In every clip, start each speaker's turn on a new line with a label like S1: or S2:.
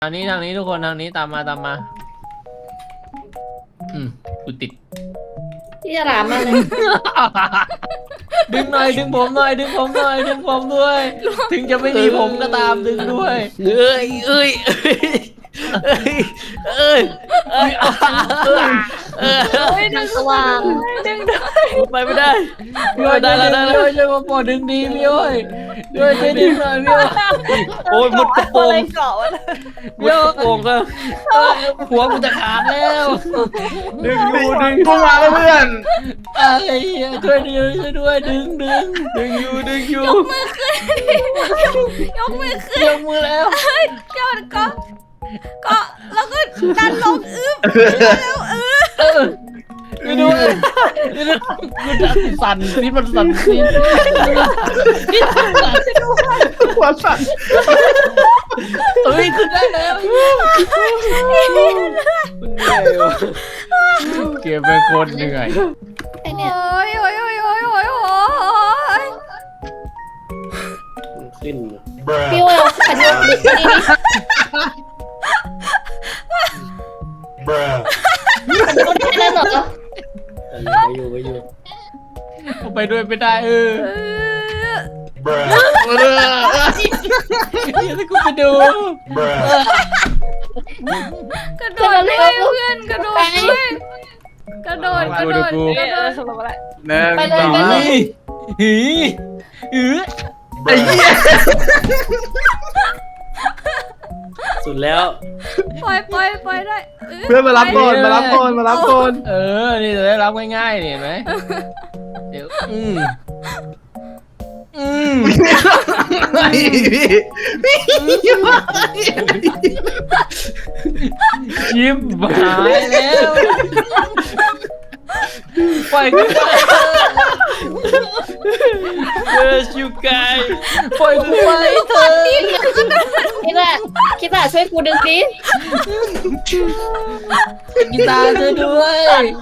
S1: ทางนี้ทุกคนทางนี้ตามมากูติด
S2: พี่จะรามมาเลย
S1: ดึงหน่อยดึงผมหน่อยดึงผมหน่อยดึงผมด้วย ถึงจะไม่มีผมก็ตามดึงด้วยเอ้ย
S2: ดึงสว่างดึงด้วย
S1: ไปไม่ได้พี่อ้อยได้แล้วช่วยมาปอดึงดีพี่อ้อยช่วยดึงหน่อยพี่อ้อยโอ้ยมุดกระโปรงพี่อ้อยโป่งก็หัวกูจะขาดแล้วดึง
S3: กูมาแล้วเพื่อน
S1: อะไรช่วยด้วยดึงอยู่ยกมือขึ้นยกมือแล้ว
S4: ก็แล้วก็ดันลงแล้ว
S1: กูด้วยกูจะสั่นนี่มันสั่นนี่
S3: หัวสั่น
S1: เฮ้ยขึ้นได้แล้วเก็บเป็นคนเหนื่อย
S2: ไอเนี่ย
S4: โอ้ย
S3: ขึ้น
S2: พี่ว่าขันยกดินี่ขันยกได้แล้วเหรอ
S3: ไปอยู่
S1: ไปด้วยไม่ได้ยังกูไปดู
S4: กระโดดด้วยเพื่อนกระโดดด้วยกระโดด
S1: ไปเลย
S3: ไอ้เหี้ยสุดแล้ว
S4: ปล่อยได้
S3: เพื่อนมารับก่อน
S1: นี่จะได้รับง่ายๆเห็นไหมเดี๋ยวยิ้มหายแล้วปล่อยกูไปชิวกายปล่อยกูไปเถอะ
S2: คิดว่าช่วยกูดึงดิ
S1: กีตาร์ช่วยด้วย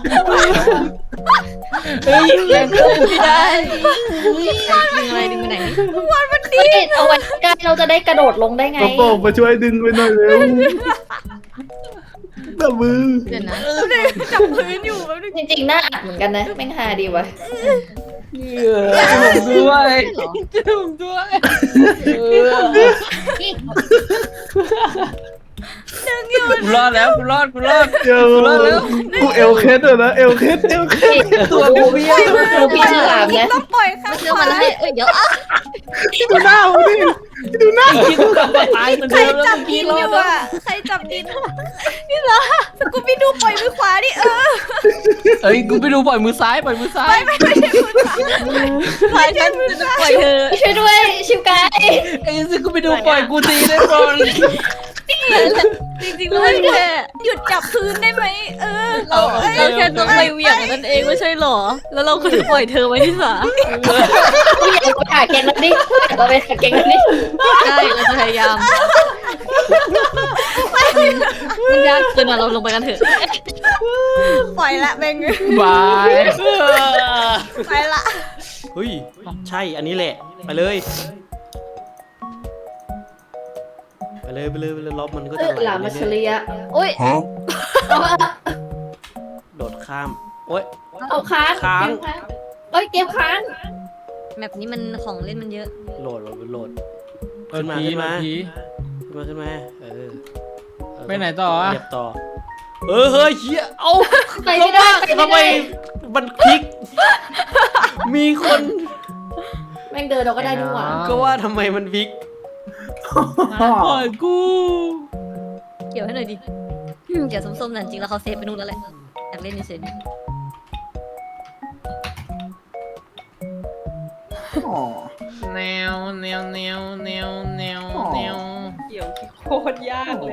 S1: เฮ้ยยังไม่ได้ดึงอะไรดึงไปไหน
S2: เอาไว้ใกล้เราจะได้กระโดดลงได้ไง
S3: กระโปรงมาช่วยดึงไปหน่อยเร็วแบบมือ
S2: เดี๋ยวนะ
S4: จับพื้นอยู่แบบนึง
S2: จริงๆน่าอัดเหมือนกันนะแม่งฮาดีวะ
S1: ผมด้วยผมด้วย
S4: ดึงอยู่
S1: กูรอดแล้วกูรอด
S3: เดี๋ยวกูเอลเคสเลยนะเอลเคส
S1: ตัวกูเบี้ย
S2: ดูพี่ฉลามนะ
S4: ต้องปล่อยข้างขวา
S2: เดี๋ยว
S3: ดูหน้ามันดิดูหน้า
S1: ไอ้คิดกลับมาตายเหมือน
S4: ใคร
S1: เดิมแล้ว
S4: จับ
S1: เมื่อ
S4: ดิ
S1: กี้
S4: น
S1: รอ
S4: อ
S1: ด
S4: ยู่
S1: แล้ว
S4: อ่ะใครจับดินนี่เหรอสกูบี้ดูปล่อยมือขวาดิ
S1: เอ้ยกูไปดูปล่อยมือซ้าย
S4: ไม่ใช่มือขวาปล่อยฉันจะปล่อยเธอ
S2: ช่วยด้วยชิวกาย
S1: ไอ้สิกูไปดูปล่อยกูทีได้บอล
S4: จริงๆเลยแค่หยุดจับพื้นได้ไหม
S1: เรา
S4: แค่ต้องไปเหวี่ยงนั่นเองไม่ใช่หรอแล้วเราก็จะปล่อยเธอไว้ที่ศาล
S2: พี่อยากไปหาเก่งแล้วดิเราไปหาเก่งแล้วดิ
S4: ใช่เราจะพยายามมันยากเกินอ่ะเราลงไปกันเถอะปล่อยละเบง
S1: บาย
S4: ไปละ
S3: เฮ้ยใช่อันนี้แหละไปเลยล็อบมันก็จะ
S2: หลามาเฉลียโอ้ย
S3: โดดข้ามโอ้ย
S2: เอาค้างเอ้ยเกมค้าง
S4: แมปนี้มันของเล่นมันเยอะ
S3: โหลดขึ้นมา
S1: ไปไหนต่ออ่ะ
S3: เหยียบต่อเฮ้ยเฮียเอ้า
S2: ไปไม่ได้
S3: ทำไมมันพลิกมีคน
S2: แม่งเดินเราก็ได้ดีกว่า
S3: ก็ว่าทำไมมันพลิก
S1: ปล่อยกู
S4: เกี่ยวให้หน่อยดิเกี่ยวส้มๆนั่นจริงแล้วเขาเซฟไปนู่นแล้วแหละอยากเล่นเฉย
S1: แนว
S5: เกี่ยวโคตรยากเลย